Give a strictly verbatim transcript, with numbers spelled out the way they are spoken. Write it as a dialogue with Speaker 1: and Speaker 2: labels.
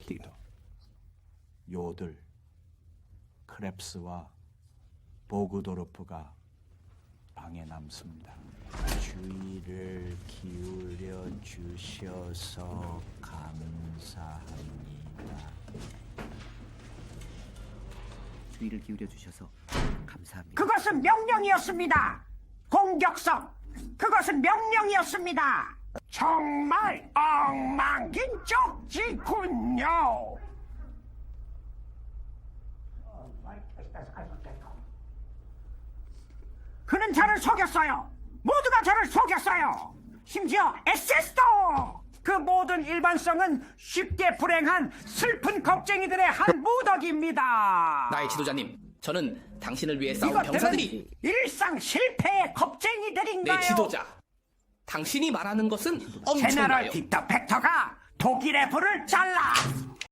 Speaker 1: partido. 요들, 크랩스와 보그도르프가 방에 남습니다. 주의를 기울여 주셔서 감사합니다.
Speaker 2: 주의를 기울여 주셔서 감사합니다.
Speaker 3: 그것은 명령이었습니다. 공격성, 그것은 명령이었습니다. 정말 엉망진쪽지군요. 그는 저를 속였어요. 모두가 저를 속였어요. 심지어 에스에스도. 그 모든 일반성은 쉽게 불행한 슬픈 겁쟁이들의 한 무더기입니다.
Speaker 4: 나의 지도자님, 저는 당신을 위해 싸운
Speaker 3: 이것들은
Speaker 4: 병사들이
Speaker 3: 일상 실패의 겁쟁이들인가요?
Speaker 4: 내 지도자. 당신이 말하는 것은
Speaker 3: 제너럴
Speaker 4: 엄청나요.
Speaker 3: 빅터 팩터가 독일의 불을 잘라